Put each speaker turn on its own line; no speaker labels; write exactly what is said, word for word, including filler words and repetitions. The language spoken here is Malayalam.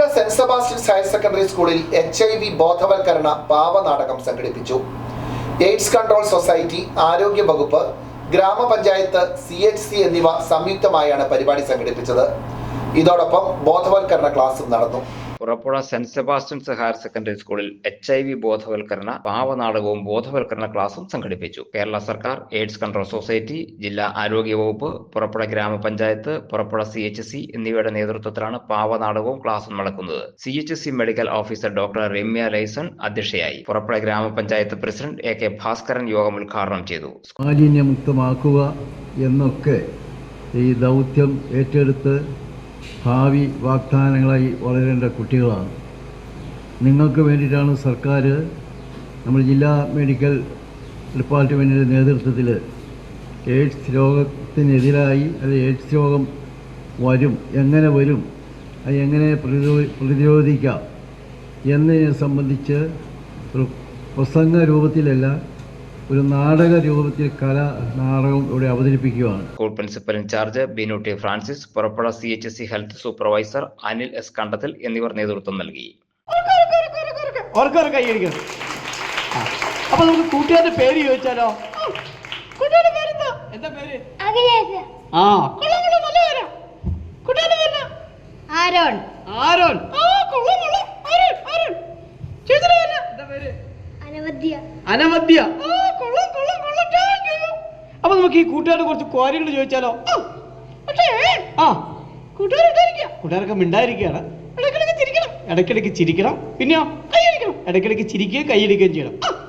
സെന്റ് സെബാസ്റ്റ്യൻസ് ഹയർ സെക്കൻഡറി സ്കൂളിൽ എച്ച് ഐ വി ബോധവൽക്കരണ പാവനാടകം സംഘടിപ്പിച്ചു. എയ്ഡ്സ് കൺട്രോൾ സൊസൈറ്റി, ആരോഗ്യ വകുപ്പ്, ഗ്രാമപഞ്ചായത്ത്, സി എച്ച് സി എന്നിവ സംയുക്തമായാണ് പരിപാടി സംഘടിപ്പിച്ചത്. ഇതോടൊപ്പം ബോധവൽക്കരണ ക്ലാസും നടന്നു.
Purappuzha saint Sebastian's higher secondary സ്കൂളിൽ എച്ച് ഐ വി ബോധവൽക്കരണ പാവനാടകവും ബോധവൽക്കരണ ക്ലാസും സംഘടിപ്പിച്ചു. കേരള സർക്കാർ, എയ്ഡ്സ് കൺട്രോൾ സൊസൈറ്റി, ജില്ലാ ആരോഗ്യ വകുപ്പ്, പുറപ്പുഴ ഗ്രാമപഞ്ചായത്ത്, പുറപ്പുഴ സി എച്ച് സി എന്നിവയുടെ നേതൃത്വത്തിലാണ് പാവനാടകവും ക്ലാസും നടക്കുന്നത്. C H C medical officer doctor Ramya ലൈസൺ അധ്യക്ഷയായി. പുറപ്പുഴ ഗ്രാമപഞ്ചായത്ത് പ്രസിഡന്റ് എ കെ ഭാസ്കരൻ യോഗം ഉദ്ഘാടനം ചെയ്തു.
മാലിന്യമുക്തമാക്കുക എന്നൊക്കെ ഈ ദൗത്യം ഏറ്റെടുത്ത് ഭാവി വാഗ്ദാനങ്ങളായി വളരേണ്ട കുട്ടികളാണ്. നിങ്ങൾക്ക് വേണ്ടിയിട്ടാണ് സർക്കാർ നമ്മൾ ജില്ലാ മെഡിക്കൽ ഡിപ്പാർട്ട്മെൻറ്റിൻ്റെ നേതൃത്വത്തിൽ എയ്ഡ്സ് രോഗത്തിനെതിരായി അല്ലെങ്കിൽ എയ്ഡ്സ് രോഗം വരും, എങ്ങനെ വരും, അത് എങ്ങനെ പ്രതിരോ പ്രതിരോധിക്കാം എന്നതിനെ സംബന്ധിച്ച് ഒരു പ്രസംഗ രൂപത്തിലല്ല, ഒരു നാടക രൂപത്തിൽ കല നാടകം ഇവിടെ അവതരിപ്പിക്കുകയാണ്.
School principal incharge Binu T Francis, Purappuzha C H C health supervisor Anil S Kandathil എന്നിവർ നേതൃത്വം നൽകി.
അപ്പൊ നമുക്ക് കൂട്ടുകാരുടെ പേര് ചോദിച്ചാലോ? കൂട്ടുകാരുടെ പേരെന്താ? എന്താ പേര്? ആ, നല്ല പേരാ. കൂട്ടുകാരുടെ പേര്
ആരോൺ.
ആരോൺ. ആ, കൊള്ളാം കൊള്ളാം. Aaron Aaron. ചേച്ചിയുടെ പേര് എന്താ പേര്?
അനവദ്യ.
അനവദ്യ. ആ, കൊള്ളാം കൊള്ളാം കൊള്ളാം. അപ്പൊ നമുക്ക് ഈ കൂട്ടുകാരുടെ കുറച്ച് ക്വാരികൾ ചോദിച്ചാലോ? പക്ഷേ ആ കൂട്ടുകാരുണ്ടായിരിക്കുക, കൂട്ടുകാരൊക്കെ മിണ്ടായിരിക്കുകയാണ്. ഇടയ്ക്കിടയ്ക്ക് ചിരിക്കണം, ഇടയ്ക്കിടയ്ക്ക് ചിരിക്കണം. പിന്നെയോ കൈയടിക്കണം, ഇടയ്ക്കിടയ്ക്ക് ചിരിക്കുകയും കൈയടിക്കുകയും ചെയ്യണം.